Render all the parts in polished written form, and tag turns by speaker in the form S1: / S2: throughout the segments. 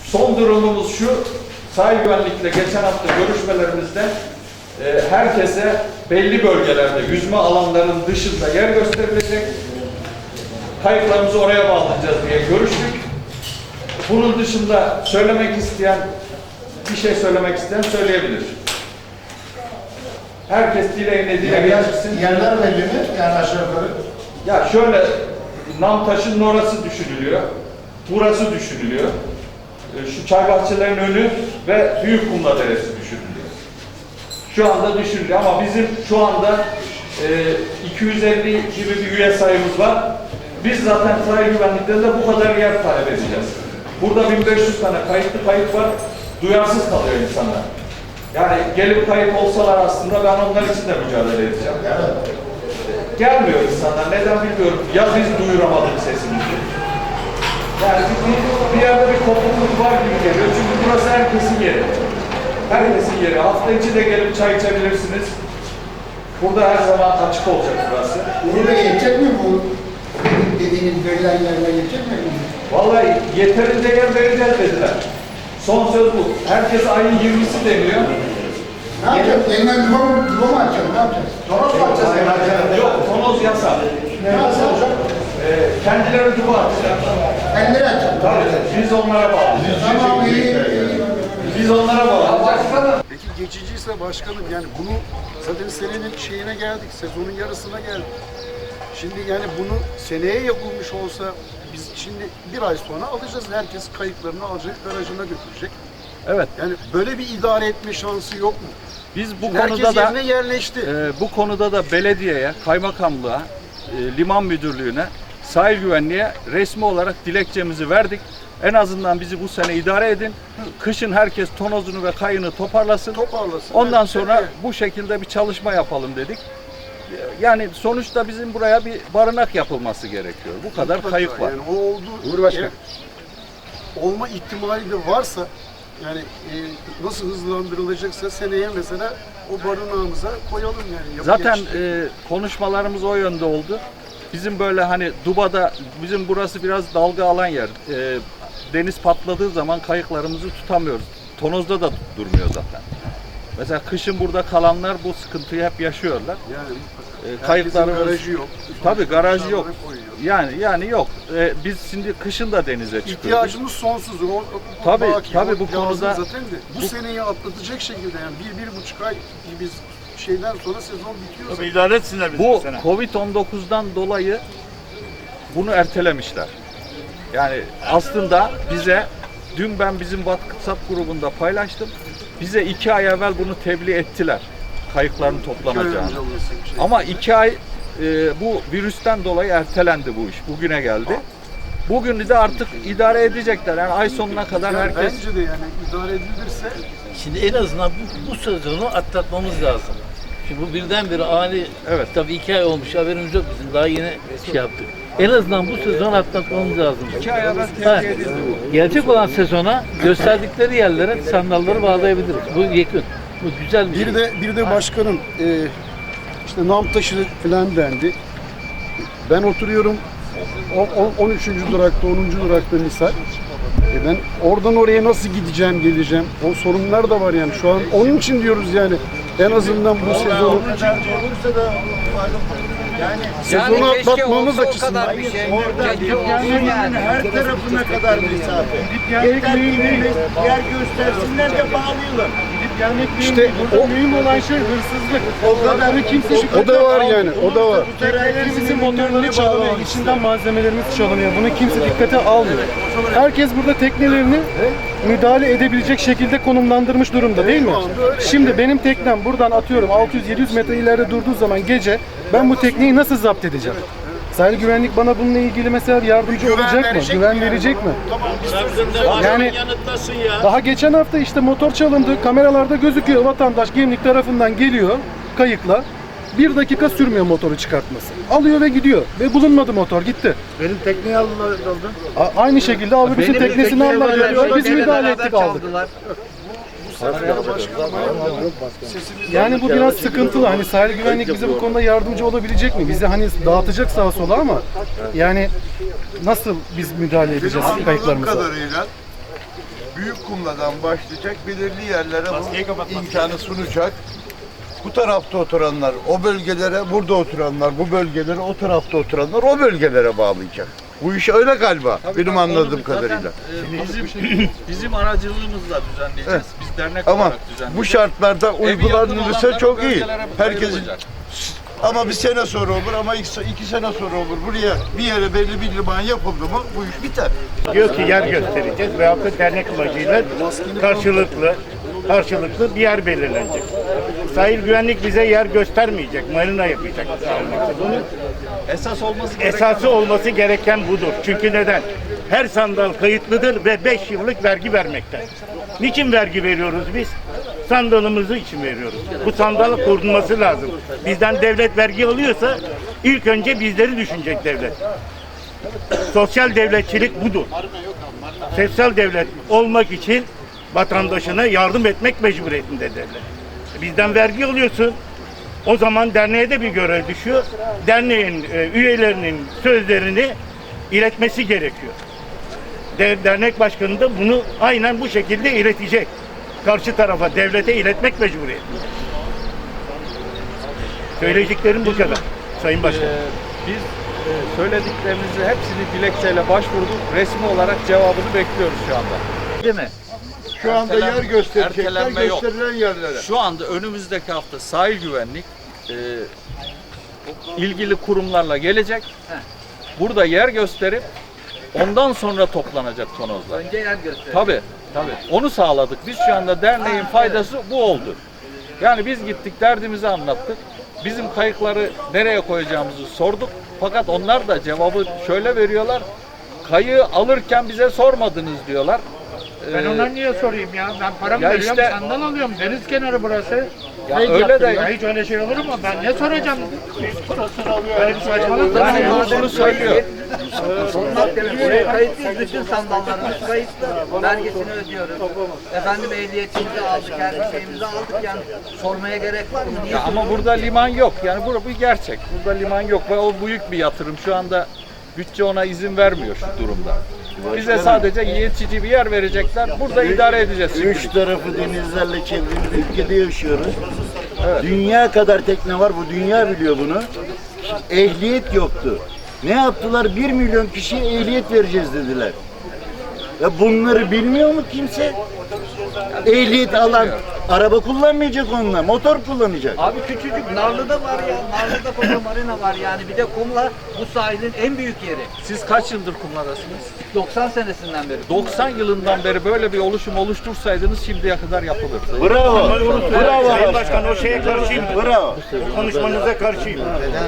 S1: Son durumumuz şu, sahil güvenlikle geçen hafta görüşmelerimizde herkese belli bölgelerde yüzme alanlarının dışında yer gösterilecek. Kayıklarımızı oraya bağlayacağız diye görüştük. Bunun dışında bir şey söylemek isteyen söyleyebilir. Herkes dileğine dile getirsin.
S2: Yerler belli mi? Yani aşağı yukarı.
S1: Ya şöyle, Namtaş'ın orası düşünülüyor. Burası düşünülüyor. Şu çay bahçelerinin önü ve Büyükkumla Deresi düşünülüyor. Şu anda düşünülüyor ama bizim şu anda 250 gibi bir üye sayımız var. Biz zaten sahil güvenliklerinde bu kadar yer talep edeceğiz. Burada 1500 tane kayıtlı kayıt var. Duyarsız kalıyor insanlar. Yani gelip kayıt olsalar aslında ben onlar için de mücadele edeceğim. Gelmiyor insanlar. Neden bilmiyorum. Ya biz duyuramadık sesimizi. Yani bir yerde bir kopukluk var gibi geliyor. Çünkü burası herkesin yeri. Herkesin yeri. Hafta içi de gelip çay içebilirsiniz. Burada her zaman açık olacak burası.
S2: Burada yetecek mi bu? Dediğiniz verilen yerler yetecek mi?
S1: Vallahi yeterince yer vereceğiz dediler. Son söz bu. Herkes ayın 20'si deniyor.
S2: Ne yapacağız? Yeniden duva mı açacağız? Ne yapacağız? Tonoz mu açacağız?
S1: Yok, tonoz yasak.
S2: Ne yapacağız?
S1: Kendileri duva atacak.
S2: Kendileri açacağız.
S1: Tabii, biz onlara bağlayacağız.
S2: Tamam, iyi.
S1: Biz onlara bağlayacağız.
S3: Peki geçiciyse başkanım, yani bunu zaten senenin şeyine geldik, sezonun yarısına geldik. Şimdi yani bunu seneye yapılmış olsa biz şimdi bir ay sonra alacağız, herkes kayıklarını alacak, garajına götürecek.
S1: Evet.
S3: Yani böyle bir idare etme şansı yok mu?
S1: Biz bu
S3: Şimdi
S1: konuda
S3: herkes
S1: da
S3: yerine yerleşti.
S1: bu konuda da belediyeye, kaymakamlığa, liman müdürlüğüne, sahil güvenliğe resmi olarak dilekçemizi verdik. En azından bizi bu sene idare edin. Kışın herkes tonozunu ve kayını toparlasın. Ondan sonra bu şekilde bir çalışma yapalım dedik. Yani sonuçta bizim buraya bir barınak yapılması gerekiyor. Bu kadar
S3: Mutlaka,
S1: kayık var.
S3: yani o oldu.
S2: Cumhurbaşkanı.
S3: Olma ihtimali de varsa yani nasıl hızlandırılacaksa seneye mesela o barınağımıza koyalım yani.
S1: Zaten konuşmalarımız o yönde oldu. Bizim böyle hani Duba'da, bizim burası biraz dalga alan yer. Deniz patladığı zaman kayıklarımızı tutamıyoruz. Tonozda da durmuyor zaten. Mesela kışın burada kalanlar bu sıkıntıyı hep yaşıyorlar.
S3: Yani
S1: Kayıklarımız
S3: garajı yok.
S1: Tabii garajı yok.
S3: Koyuyor.
S1: Yani yok. Biz şimdi kışın da denize çıkıyoruz.
S3: İhtiyacımız sonsuz. O
S1: Tabii,
S3: baki,
S1: tabii
S3: o
S1: bu
S3: lazım
S1: konuda
S3: zaten de bu seneyi atlatacak şekilde yani bir buçuk ay biz şeyden sonra sezon bitiyor.
S4: Tabii idare etsinler bizi
S1: Bu
S4: sene.
S1: Covid-19'dan dolayı bunu ertelemişler. Yani aslında bize, dün ben bizim WhatsApp grubunda paylaştım. Bize 2 ay evvel bunu tebliğ ettiler. Kayıkların toplanacağını. Ama 2 ay bu virüsten dolayı ertelendi bu iş. Bugüne geldi. Bugün de artık idare edecekler. Yani ay sonuna kadar
S3: Yani
S1: herkes...
S3: bence de yani idare edilirse
S5: Şimdi en azından bu sezonu atlatmamız lazım. Şimdi bu birdenbire ani,
S1: Evet.
S5: tabii 2 ay olmuş, haberimiz yok bizim, daha yeni şey yaptık. En azından bu sezonu atlatmamız lazım.
S1: 2 ay evvel
S5: Ha,
S1: tebliğ edildi bu.
S5: gelecek olan sezona gösterdikleri yerlere sandalları bağlayabiliriz. Bu yakın. Bu güzel bir şey.
S3: bir de başkanım işte Namtaşı falan dendi. Ben oturuyorum 13. durakta, 10. durakta misal. Ben oradan oraya nasıl gideceğim, geleceğim? O sorunlar da var yani. Şu an onun için diyoruz yani. En azından bu sezonu
S4: Olursa da
S3: sezonu atlatmamız açısından.
S4: yani her tarafına kadar mesafe. Yer göstersinler de bağlayalım.
S3: İşte o
S6: Mühim olan şey hırsızlık.
S4: O kadarı kimse
S3: o da var yani. O da var.
S6: Teknelerimizin motorları çalınıyor, içinden malzemelerimiz çalınıyor. Bunu kimse dikkate almıyor. Herkes burada teknelerini müdahale edebilecek şekilde konumlandırmış durumda değil mi? Şimdi benim teknem buradan atıyorum 600-700 metre ileride durduğu zaman gece ben bu tekneyi nasıl zapt edeceğim? Sahil güvenlik bana bununla ilgili mesela yardımcı olacak mı? Güven verecek mi? Yani daha geçen hafta işte motor çalındı, kameralarda gözüküyor, vatandaş Gemlik tarafından geliyor kayıkla. 1 dakika sürmüyor motoru çıkartması. Alıyor ve gidiyor. Ve bulunmadı motor, gitti.
S4: Benim tekneyi aldılar.
S6: Aynı şekilde Avrupa teknesini aldılar. Biz müdahale ettik, aldık. Yani bu biraz sıkıntılı. Hani sahil güvenlik bize bu konuda yardımcı olabilecek mi? Bizi hani dağıtacak sağa sola ama yani nasıl biz müdahale edeceğiz
S3: Anladığım
S6: kayıklarımıza?
S3: kadarıyla
S4: büyük kumladan başlayacak, belirli yerlere bu imkanı sunacak. Bu tarafta oturanlar o bölgelere, burada oturanlar bu bölgelere, o tarafta oturanlar o bölgelere bağlayacak. Bu iş öyle galiba, benim anladığım kadarıyla.
S1: Bizim aracılığımızla düzenleyeceğiz. Biz dernek
S4: Ama
S1: olarak düzenleyeceğiz.
S4: bu şartlarda uygulanırsa çok iyi. Herkesin
S1: Herkesin
S4: ama bir sene sonra olur ama iki sene sonra olur. Buraya bir yere belli bir liman yapıldı mı bu iş biter.
S7: Diyor ki yer göstereceğiz veyahut da dernek amacıyla karşılıklı bir yer belirlenecek. Sahil güvenlik bize yer göstermeyecek, marina yapacak. Bunun esası olması gereken budur. Çünkü neden? Her sandal kayıtlıdır ve 5 yıllık vergi vermekte. Niçin vergi veriyoruz biz? Sandalımızı için veriyoruz. Bu sandal korunması lazım. Bizden devlet vergi alıyorsa ilk önce bizleri düşünecek devlet. Sosyal devletçilik budur. Sosyal devlet olmak için vatandaşına yardım etmek mecburiyetinde devlet. Bizden vergi alıyorsun. O zaman derneğe de bir görev düşüyor. Derneğin üyelerinin sözlerini iletmesi gerekiyor. Dernek başkanı da bunu aynen bu şekilde iletecek. Karşı tarafa, devlete iletmek mecburiyetinde. Söyleyeceklerim bu kadar Sayın Başkan.
S1: Biz söylediklerimizi hepsini dilekçeyle başvurduk. Resmi olarak cevabını bekliyoruz şu anda. Değil mi?
S4: Şu anda yer gösterecekler,
S1: ertelenme yok.
S4: gösterilen yerlere.
S1: Şu anda önümüzdeki hafta sahil güvenlik ilgili kurumlarla gelecek. Burada yer gösterip ondan sonra toplanacak tonozlar.
S5: Önce yer gösterelim.
S1: Tabii. Onu sağladık. Biz şu anda derneğin faydası bu oldu. Yani biz gittik, derdimizi anlattık. Bizim kayıkları nereye koyacağımızı sorduk. Fakat onlar da cevabı şöyle veriyorlar. Kayığı alırken bize sormadınız diyorlar.
S8: Ben ona niye sorayım ya? Ben paramı
S1: Ya
S8: veriyorum,
S1: işte-
S8: sandal alıyorum. Deniz kenarı burası.
S1: Ya
S8: Kayıt
S1: öyle
S8: yaptım.
S1: de-
S8: Ya hiç öyle şey olur mu? Ben ne soracağım? Böyle bir saçmalık da
S1: Yani bunu söylüyor.
S5: Buraya kayıtlıyız, bütün sandallarımız kayıtlı. Vergisini ödüyoruz. Efendim ehliyetimizi aldık, her şeyimizi aldık yani sormaya gerek var mı? Niye
S1: Ya ama burada liman yok. Yani bu bir gerçek. Burada liman yok ve o büyük bir yatırım. Şu anda bütçe ona izin vermiyor şu durumda. Bize sadece yetici bir yer verecekler. Burada idare edeceğiz.
S4: Üç
S1: şimdilik.
S4: tarafı denizlerle çevrili ülkede yaşıyoruz. Dünya kadar tekne var, bu dünya biliyor bunu. Ehliyet yoktu. Ne yaptılar? 1 milyon kişiye ehliyet vereceğiz dediler. Ya bunları bilmiyor mu kimse? Ehliyet alan araba kullanmayacak onunla, motor kullanacak.
S5: Abi küçücük Narlı'da var ya, Narlı'da koca marina var yani. Bir de kumla bu sahilin en büyük yeri.
S1: Siz kaç yıldır kumladasınız?
S5: 90 senesinden beri.
S1: 90 yılından beri böyle bir oluşum oluştursaydınız şimdiye kadar yapılırdı.
S4: Bravo. Bravo.
S7: Sayın Başkan o şeye karşıyım.
S4: Bravo.
S7: Konuşmanıza karşıyım.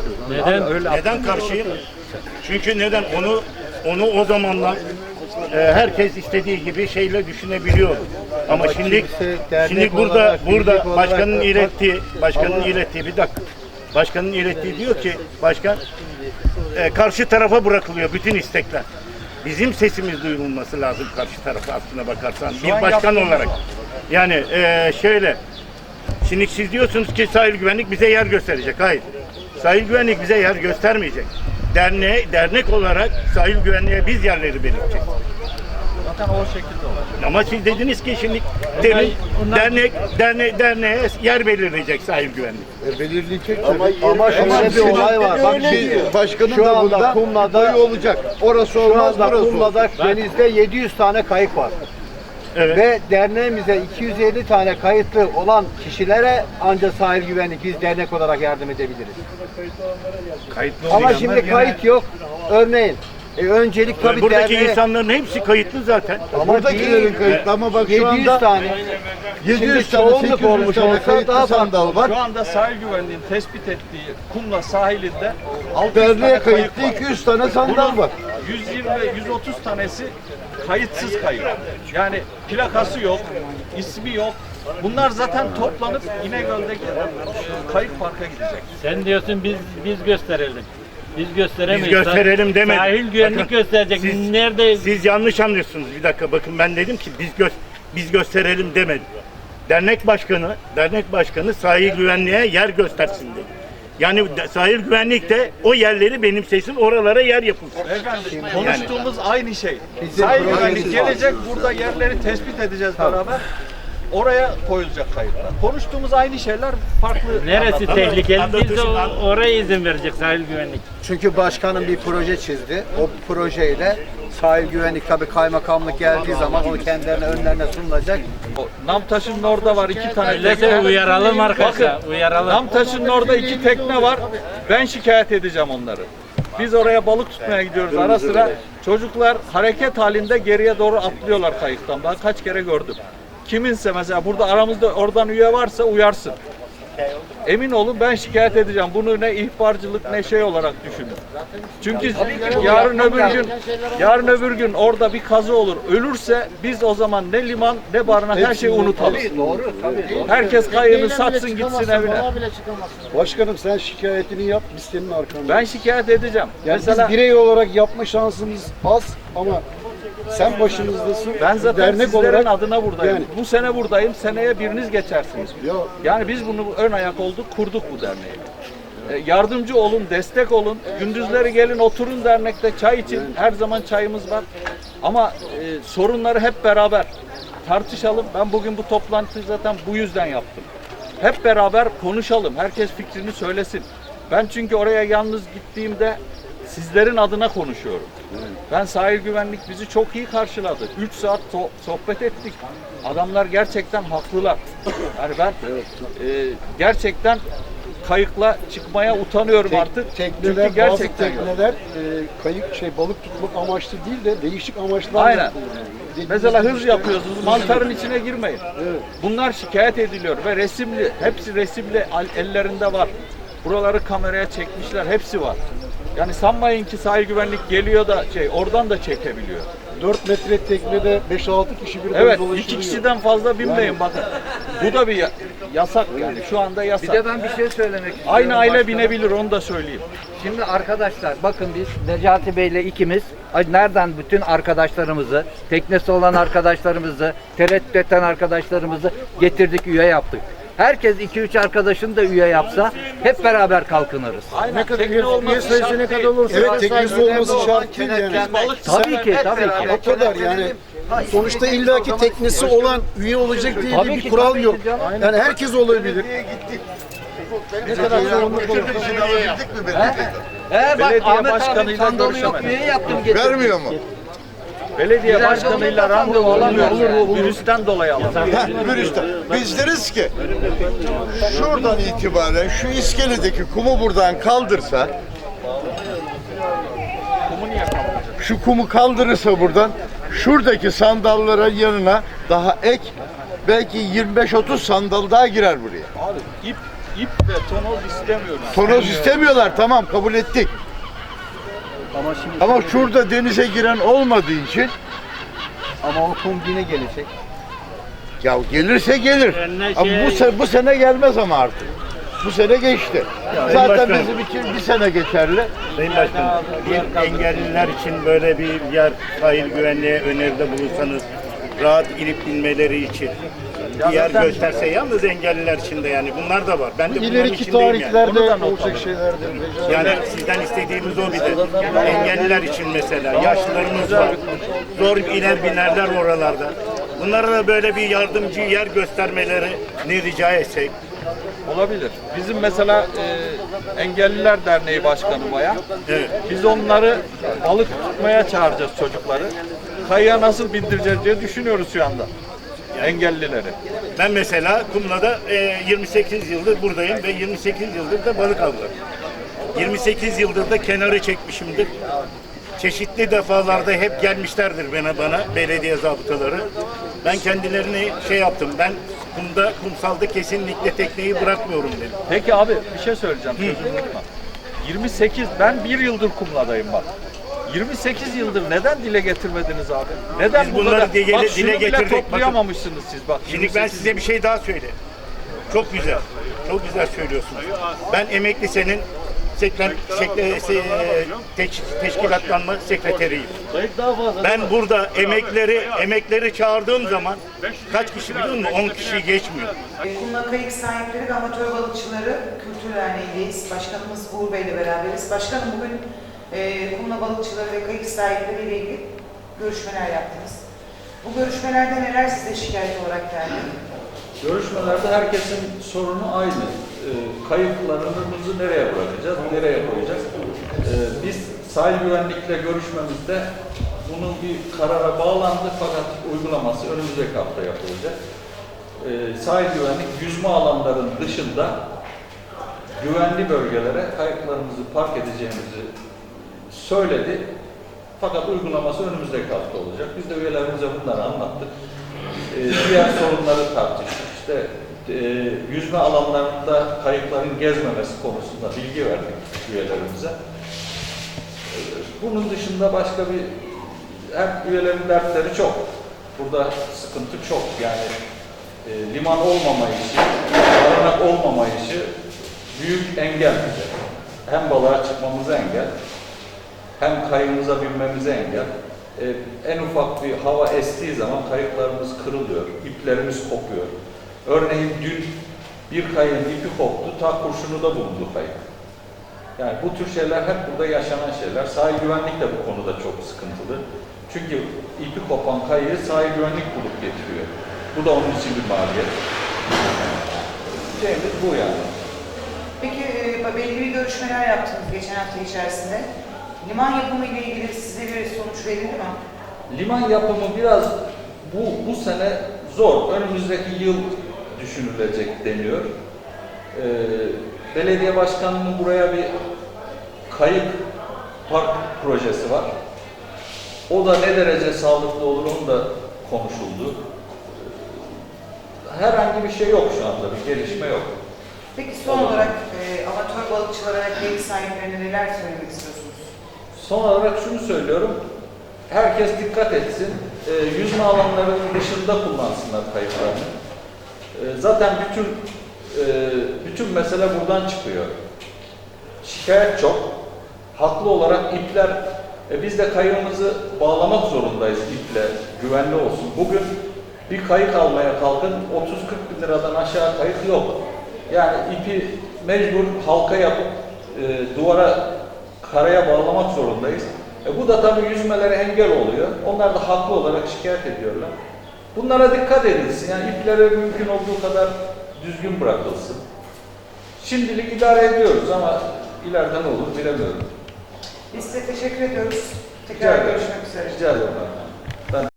S7: Neden karşıyım? Çünkü neden? Onu o zamanlar herkes istediği gibi şeyle düşünebiliyor. Ama şimdi burada başkanın ilettiği bir dakika. Başkanın ilettiği diyor ki başkan karşı tarafa bırakılıyor bütün istekler. Bizim sesimiz duyulması lazım karşı tarafa aslına bakarsan. Bir başkan olarak. Yani şöyle. Şimdi siz diyorsunuz ki sahil güvenlik bize yer gösterecek. Hayır. Sahil güvenlik bize yer göstermeyecek. Dernek olarak sahil güvenliğe biz yerleri belirleyeceğiz.
S1: Zaten o şekilde olur.
S7: Ama siz dediniz ki şimdi derneğe yer belirleyecek sahil güvenlik.
S4: Belirleyecek
S3: Ama şöyle bir olay var. Bak
S4: başkanın
S3: şu
S4: da
S3: anda
S4: bunda
S3: Kumla'da
S4: olacak. Orası
S3: şu
S4: olmaz,
S3: anda
S4: burası olur.
S3: Kumla'da denizde 700 tane kayık var.
S7: Evet.
S3: Ve derneğimize 250 tane kayıtlı olan kişilere ancak sahil güvenlik biz dernek olarak yardım edebiliriz.
S7: Kayıtlı
S3: Ama
S7: olmayanlar
S3: şimdi
S7: gene-
S3: kayıt yok. Örneğin öncelik tabii
S7: buradaki
S3: derneğe
S7: insanların hepsi kayıtlı zaten.
S3: ama
S4: Buradakilerin
S3: değil,
S4: kayıtlı ama bak şu
S3: 700
S4: anda
S3: tane
S4: 700
S3: Şimdi
S4: tane,
S3: çoğunluk
S4: 800
S3: olmuş
S4: tane
S3: olsa
S4: kayıtlı
S3: daha
S4: sandal var.
S1: Şu anda sahil güvenliğinin tespit ettiği Kumla sahilinde 600
S4: Derneğe
S1: tane kayık
S4: kayıtlı
S1: var.
S4: 200 tane sandal var.
S1: 120 ve 130 tanesi kayıtsız kayık. Yani plakası yok, ismi yok. Bunlar zaten toplanıp İnegöl'deki kayık parka gidecek.
S8: Sen diyorsun biz gösterelim. Biz gösteremeyiz.
S7: Biz gösterelim demedik.
S8: Sahil güvenlik
S7: Bakın,
S8: gösterecek.
S7: siz-
S8: Nerede?
S7: Siz yanlış anlıyorsunuz. Bir dakika bakın ben dedim ki biz gösterelim demedim. Dernek başkanı sahil güvenliğe yer göstersin dedi. Yani sahil güvenlik de o yerleri benimsesin, oralara yer yapılsın.
S1: Efendim, konuştuğumuz aynı şey. Sahil güvenlik gelecek, burada yerleri tespit edeceğiz beraber. Oraya koyulacak kayıtlar. Konuştuğumuz aynı şeyler farklı.
S9: Neresi
S1: anlatımlar.
S9: tehlikeli? Biz de
S7: Anlatırsın.
S9: oraya izin verecek sahil güvenlik.
S10: Çünkü başkanın bir proje çizdi. O projeyle sahil güvenlik tabii kaymakamlık geldiği zaman onu kendilerine önlerine sunulacak.
S1: O Namtaş'ın orada var 2 tane
S9: Millete
S1: tekne.
S9: uyaralım arkadaşlar,
S1: Bakın,
S9: uyaralım.
S1: Namtaş'ın orada 2 tekne var. Ben şikayet edeceğim onları. Biz oraya balık tutmaya gidiyoruz ara sıra. Çocuklar hareket halinde geriye doğru atlıyorlar kayıktan. Ben kaç kere gördüm. Kiminse mesela burada aramızda oradan üye varsa uyarsın. Emin olun ben şikayet edeceğim. Bunu ne ihbarcılık ne şey olarak düşünün. Çünkü yarın öbür gün orada bir kazı olur. Ölürse biz o zaman ne liman ne barınak her şeyi unutalım. Herkes kayığını satsın gitsin evine.
S3: Başkanım sen şikayetini yap, biz senin arkandayız.
S1: Ben şikayet edeceğim.
S3: Yani
S1: Mesela
S3: biz birey olarak yapma şansımız az ama sen başımızdasın.
S1: ben zaten
S3: dernek
S1: sizlerin
S3: olarak
S1: adına buradayım.
S3: yani-
S1: Bu sene buradayım. Seneye biriniz geçersiniz.
S3: Ya,
S1: Yani biz bunu ön ayak olduk, kurduk bu derneği. Yardımcı olun, destek olun. Gündüzleri gelin oturun dernekte çay için. Her zaman çayımız var. Ama sorunları hep beraber tartışalım. Ben bugün bu toplantıyı zaten bu yüzden yaptım. Hep beraber konuşalım. Herkes fikrini söylesin. Ben çünkü oraya yalnız gittiğimde sizlerin adına konuşuyorum. Ben sahil güvenlik bizi çok iyi karşıladı. 3 saat sohbet ettik. Adamlar gerçekten haklılar. Yani ben gerçekten kayıkla çıkmaya utanıyorum artık.
S3: tekneler,
S1: Çünkü
S3: bazı
S1: gerçekten yok.
S3: tekneler kayık balık tutmak amaçlı değil de değişik amaçlarla.
S1: Aynen. Mesela hız yapıyorsunuz, mantarın içine girmeyin. Bunlar şikayet ediliyor ve resimli, hepsi resimli ellerinde var. Buraları kameraya çekmişler, hepsi var. Yani sanmayın ki sahil güvenlik geliyor da oradan da çekebiliyor.
S3: 4 metre teknede 5-6 kişi birden
S1: Evet,
S3: dolaşılıyor.
S1: 2 kişiden fazla binmeyin bakın. Bu da bir yasak yani, şu anda
S5: Bir
S1: yasak.
S5: de ben bir şey söylemek istiyorum.
S1: Aynı aile
S5: başkanım.
S1: binebilir, onu da söyleyeyim.
S5: Şimdi arkadaşlar bakın biz Necati Bey'le ikimiz nereden bütün arkadaşlarımızı, teknesi olan arkadaşlarımızı, tereddüt eden arkadaşlarımızı getirdik, üye yaptık. Herkes 2-3 arkadaşını da üye yapsa hep beraber kalkınırız.
S1: Aynen, tekne olması şart değil.
S3: Evet, teknesi olması şart değil yani.
S5: Tabii ki, tabii ki.
S3: O kadar yani. Sonuçta illaki teknesi olan üye olacak diye
S5: Tabii
S3: bir
S5: ki,
S3: kural
S5: tabii
S3: yok.
S5: ki canım.
S3: Yani herkes olabilir.
S5: Bak
S1: Belediye
S5: Ahmet abi
S1: başkanıyla
S5: sandalı yok,
S1: görüşemedim.
S5: üye yaptım getirdim.
S2: Vermiyor mu?
S1: Belediye
S5: Bizler
S1: başkanıyla
S5: de
S1: randevu
S5: olamıyoruz
S1: alamıyoruz.
S5: yani.
S1: Virüsten dolayı alamıyoruz.
S2: Virüsten. Biz deriz ki şuradan itibaren şu iskeledeki kumu buradan kaldırsa, şu kumu kaldırırsa buradan şuradaki sandallara yanına daha ek belki 25-30 sandal daha girer buraya.
S1: Abi ip ve tonoz istemiyoruz.
S2: Tonoz istemiyorlar, tamam kabul ettik. Ama şurada denize giren olmadığı için
S10: Ama o kum yine gelecek.
S2: ya gelirse gelir.
S9: Önüne
S2: Ama bu sene gelmez ama artık. Bu sene geçti. Zaten
S7: Başkanım.
S2: bizim için bir sene geçerli.
S7: Sayın Başkanım, bir engelliler için böyle bir yer sahil güvenliğe öneride bulunsanız, rahat inip inmeleri için bir yer gösterse, yalnız engelliler için de yani bunlar da var. Ben de bunların
S3: İleriki
S7: içindeyim yani.
S3: tarihlerde olacak şeylerdir.
S7: Yani sizden istediğimiz o bir de. Engelliler için mesela, yaşlılarımız var. Zor iner binerler oralarda. Bunlara da böyle bir yardımcı yer göstermelerini rica etsek.
S1: Olabilir. Bizim mesela Engelliler Derneği Başkanı bayan.
S7: Evet.
S1: Biz onları balık tutmaya çağıracağız çocukları. Kayığa nasıl bindireceğiz diye düşünüyoruz şu anda. Engellileri.
S7: Ben mesela Kumla'da 28 yıldır buradayım ve 28 yıldır da balık avlarım. 28 yıldır da kenarı çekmişimdir. Çeşitli defalarda hep gelmişlerdir bana belediye zabıtaları. Ben kendilerini yaptım. Ben kumsalda kesinlikle tekneyi bırakmıyorum dedim.
S1: Peki abi bir şey söyleyeceğim. Sözünü unutma. 28, ben 1 yıldır Kumla'dayım bak. 28 yıldır neden dile getirmediniz abi? Neden
S7: Biz
S1: bu
S7: bunları
S1: kadar?
S7: dile
S1: Bak şunu bile
S7: getirdik. Bakın.
S1: toplayamamışsınız siz bak.
S7: Şimdi ben
S1: 28
S7: size bir şey daha söyleyeyim. Çok güzel. Çok güzel söylüyorsunuz. Ben emekli senin teşkilatlanma sekreteriyim. Ben burada emekleri çağırdığım zaman kaç kişi biliyor musun? 10 kişi geçmiyor.
S11: Kumla Kayık Sahipleri ve Amatör Balıkçıları Kültür Derneği'ndeyiz. Başkanımız Uğur Bey ile beraberiz. Başkanım bugün kumla balıkçıları ve kayık sahipleri ile ilgili görüşmeler yaptınız. Bu görüşmelerde neler size şikayet olarak geldi?
S1: Görüşmelerde herkesin sorunu aynı. Kayıklarımızı nereye bırakacağız, nereye koyacağız? Biz sahil güvenlikle görüşmemizde bunun bir karara bağlandı fakat uygulaması önümüzdeki hafta yapılacak. Sahil güvenlik yüzme alanların dışında güvenli bölgelere kayıklarımızı park edeceğimizi söyledi. Fakat uygulaması önümüzdeki hafta olacak. Biz de üyelerimize bunları anlattık. Diğer sorunları tartıştık. İşte yüzme alanlarında kayıkların gezmemesi konusunda bilgi verdik üyelerimize. Bunun dışında başka bir hem üyelerin dertleri çok. Burada sıkıntı çok. Yani liman olmamayışı, barınak olmamayışı büyük engel bize. Hem balığa çıkmamıza engel, hem kayığımıza binmemize engel. En ufak bir hava estiği zaman kayıklarımız kırılıyor, iplerimiz kopuyor. Örneğin dün bir kayığın ipi koptu, ta kurşunu da bulundu kayık. Yani bu tür şeyler hep burada yaşanan şeyler. Sahil güvenlik de bu konuda çok sıkıntılı. Çünkü ipi kopan kayığı sahil güvenlik bulup getiriyor. Bu da onun için bir maliyet. Şeyimiz bu yani.
S11: Peki belli bir görüşmeler yaptınız geçen hafta içerisinde. Liman yapımı ile ilgili size bir sonuç verildi mi?
S1: Liman yapımı biraz bu sene zor. Önümüzdeki yıl düşünülecek deniyor. Belediye başkanının buraya bir kayık park projesi var. O da ne derece sağlıklı olur onu da konuşuldu. Herhangi bir şey yok şu anda, bir gelişme yok.
S11: Peki son olarak amatör balıkçılara ve kayık sahiplerine neler söylemek istiyorsunuz?
S1: Son olarak şunu söylüyorum. Herkes dikkat etsin. Yüzme alanlarının dışında kullansınlar kayıklarını. Zaten bütün mesele buradan çıkıyor. Şikayet çok. Haklı olarak ipler, biz de kayığımızı bağlamak zorundayız iple, güvenli olsun. Bugün bir kayık almaya kalkın, 30-40 bin liradan aşağı kayık yok. Yani ipi mecbur halka yapıp duvara, karaya bağlamak zorundayız. Bu da tabii yüzmelere engel oluyor. Onlar da haklı olarak şikayet ediyorlar. Bunlara dikkat edilsin. Yani iplere mümkün olduğu kadar düzgün bırakılsın. Şimdilik idare ediyoruz ama ileride ne olur bilemiyorum.
S11: Biz size teşekkür ediyoruz. Tekrar görüşmek üzere.
S1: Rica ederim.